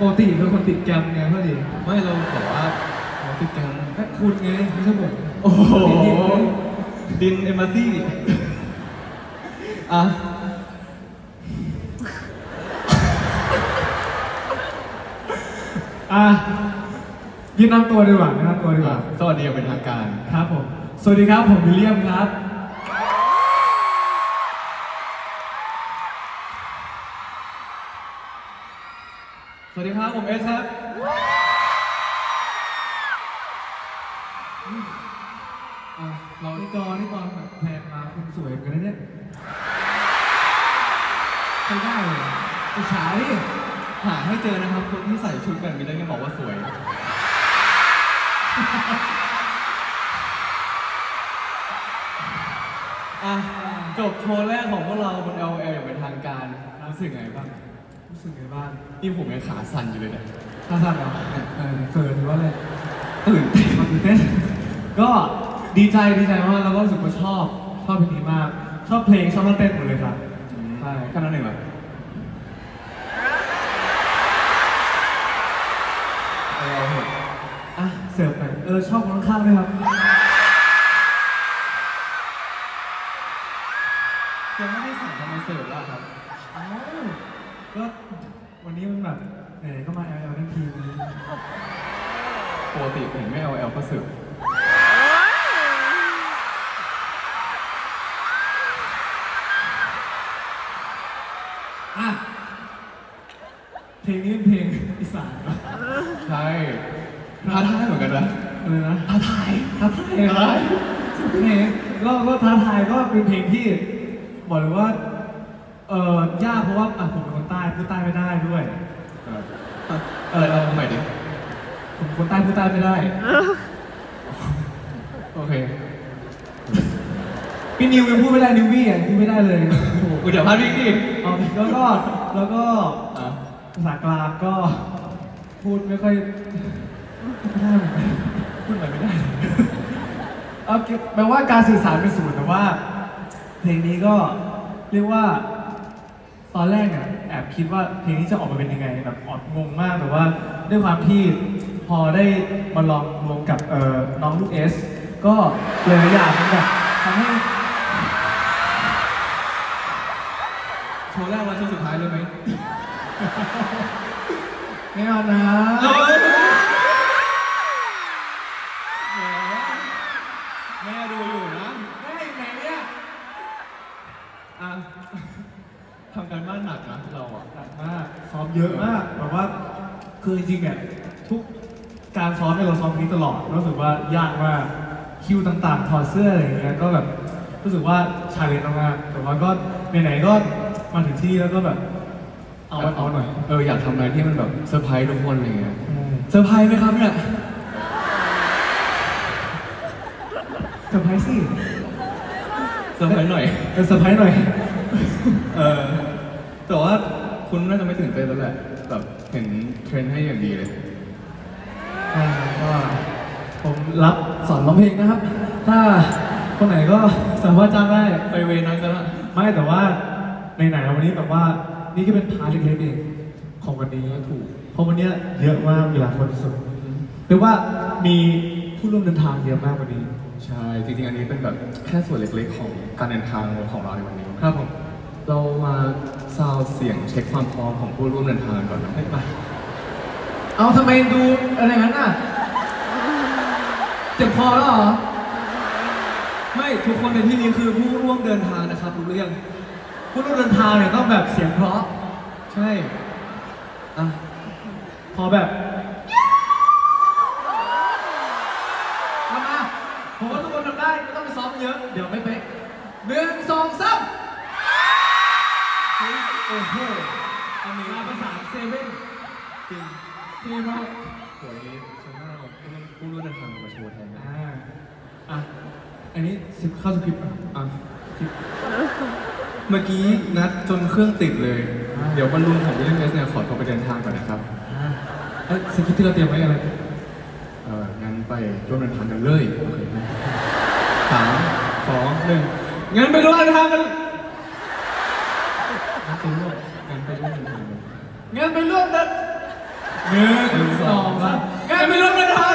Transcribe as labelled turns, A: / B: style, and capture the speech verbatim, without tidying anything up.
A: ปกติเป็นคนติดแกรมไงพอดี
B: ไม่เราบอกว่าเราติดกัน
A: แค่คุณไงไม่ใช่ผม
B: โอ้โหดินเอมบาซี่อ่ะ
A: อ่ะยืนนำตัวดีกว่าแนะนำตัวดีกว่า
B: สวัสดีอย่างเป็นทางการ
A: ครับผมสวัสดีครับผมวิลเลียมครับ
B: สวัสดีครับผมเอสครับ
A: อ่ะเราที่กอที่ตอนแบบแพนมาคุณสวยเหมือนกันนะเนี่ยใช้ได้เลยอิจฉาดิ
B: หาให้เจอนะครับคนที่ใส่ชุดแบบนี้แล้วยังบอกว่าสวยอ่ะจบโชว์แรกของพวกเราบน แอล แอล อย่างเป็นทางการรู้สึกไงบ้าง
A: รู้สึกไงบ้าง
B: นี่ผมยังขาสั่นอยู่เลยเนี่ย
A: ท่าทางเหรอเออเขินหรือว่าอะไร
B: ตื่นเต้น
A: ตื่นเต้นก็ดีใจดีใจมากแล้วก็รู้สึกว่าชอบชอบเพลงนี้มาก ชอบเพลงชอบท่าเต้นหมดเลยครับใช่
B: แค่นั้นเองเหรอเออเอาเถอะ
A: อ่ะเสิร์ฟหน่อยเออชอบคนข้างๆด้วยครับ
B: ยังไม่ได้สั่งทำไมเสิร์ฟล่ะครับ
A: เอ้าก็วันนี้มันแบบไหนๆก็มา แอล แอล ทั้งทีนี้
B: ปกติเห็นไม่ แอล แอล ก็เสิร์ฟ
A: อ่ะเพลงนี้เป็นเพลงอีสานเหรอ
B: ใช่ท้าทายเหมือนกันนะ
A: อะไรนะ
B: ท้าทาย
A: ท้าทายอะไรเพลงก็ก็ท้าทายก็เป็นเพลงที่บอกเลยว่าเออยากเพราะว่าอ่ะผมเป็นคนใต้พูดใต้ไม่ได้ด้วย
B: เออเออเราทำไมดิ
A: ผมเป็นคนใต้พูดใต้ไม่ได้
B: โอเค
A: พี่นิวยังพูดไม่ได้นิววี่อ่ะพูดไม่ได้เลยโอ้โห
B: กูเดี๋ยวพาดพิงดิ
A: เอาแล้วก็แล้วก็
B: อ่ะ
A: ภาษากลางก็พูดไม่ค่อยไม่ได้เหมือนกัน
B: พูดอะไรไม่ได้
A: เอาแปลว่าการสื่อสารเป็นศูนย์แต่ว่า เพลงนี้ก็เรียกว่าตอนแรกเนี่ยแอบคิดว่าเพลงนี้จะออกมาเป็นยังไงแบบออดงงมากแต่ว่าด้วยความที่พอได้มาลองรวมกับเอ่อน้องลูกเอสก็หลายๆอย่างมันแบบทำให้
B: โชว์แรกวันโชว์สุดท้ายเลยไหม
A: ไม่เอานะ
B: เฮ้ยแหมแม่ดูอยู่นะ
A: แม่อยู่ไหนเนี่ย
B: อ่ะทำการบ้านหนักนะเราอ่ะ
A: หนักมากซ้อมเยอะมากแบบว่าคือจริงๆเนี่ยทุกการซ้อมเนี่ยเราซ้อมนี้ตลอดรู้สึกว่ายากมากคิวต่างๆถอดเสื้ออะไรอย่างเงี้ยก็แบบรู้สึกว่าชาเลนจ์มากๆแต่ว่าก็ไหนๆก็มาถึงที่แล้วก็แบบเอาเอาหน่อย
B: เอออยากทำอะไรที่มันแบบเซอร์ไพรส์ทุกคนอะไรเงี้ย
A: ใช่
B: เซอร์ไพรส์ไหมครับเนี่ย
A: เซอร์ไพรส์สิ
B: เซอร์ไพรส์หน่อย
A: เออเซอร์ไพรส์หน่อย
B: เออแต่ว่าคุณน่าจะไม่ตื่นเต้นแล้วแหละแบบเห็นเทรนให้อย่างดีเลย
A: อ่าก็ผมรับสอนร้องเพลงนะครับ ถ้าคนไหนก็สามารถจ้างได้
B: ไปเวนั้นก็ละ
A: ไม่แต่ว่าในไหนๆวันนี้แบบว่านี่ก็เป็นพาร์ทเล็กๆเองของวันนี้ถูกเพราะวันเนี้ยเยอะมากเวลาคนสุดเรียกว่ามีผู้ร่วมเดินทางเยอะมากวันนี้
B: ใช่จริงๆอันนี้เป็นแบบแค่ส่วนเล็กๆของการเดินทางของเราในวันนี้
A: ครับผม
B: เรามาซาวด์เสียงเช็คความพร้อมของผู้ร่วมเดินทางก่อนนะ
A: ให้มาเอาทำไมดูอะไรอย่างนั้นอ่ะเจ็บคอแล้วเหรอ
B: ไม่ทุกคนในที่นี้คือผู้ร่วมเดินทางนะครับรู้หรือยัง
A: ผู้ร่วมเดินทางเนี่ยต้องแบบเสียงเพราะ
B: ใช่อ่ะ
A: พอแบบทำมาผมว่าทุกคนทำได้ไม่ต้องไปซ้อมเยอะ เดี๋ยวไม่เป๊ะหนึ่งสองสามเฮ้ยโอ้โหอันนี้มาประสานเซเว่น
B: จริง
A: เท่มาก
B: สวยสวยมากผู้ร่วมเดินทางมาโชว์แทน
A: อ่าอ่ะอันนี้สิบเข้าสคริปต์อ่ะ
B: อ่ะเมื่อกี้นัดจนเครื่องติดเลย
A: อ่า
B: เดี๋ยวบอลลูนของวิลเลียมเอสเนี่ยขอตัวไปเดินทางก่อนนะครับ
A: อ่าเอ้ยสคริปต์ที่เราเตรียมไว้อะไร
B: เอองั้นไปร่วมเดินทางกันเลยโอเคไหมสามสองหนึ่งงั้นไปร่วมเดินทางกัน
A: งั้นไปร่วม
B: งั้นไปร่วมเดินทางกัน
A: งั้นไปร่วมเดินหนึ่งสองสามงั้นไปร่วมเดินทาง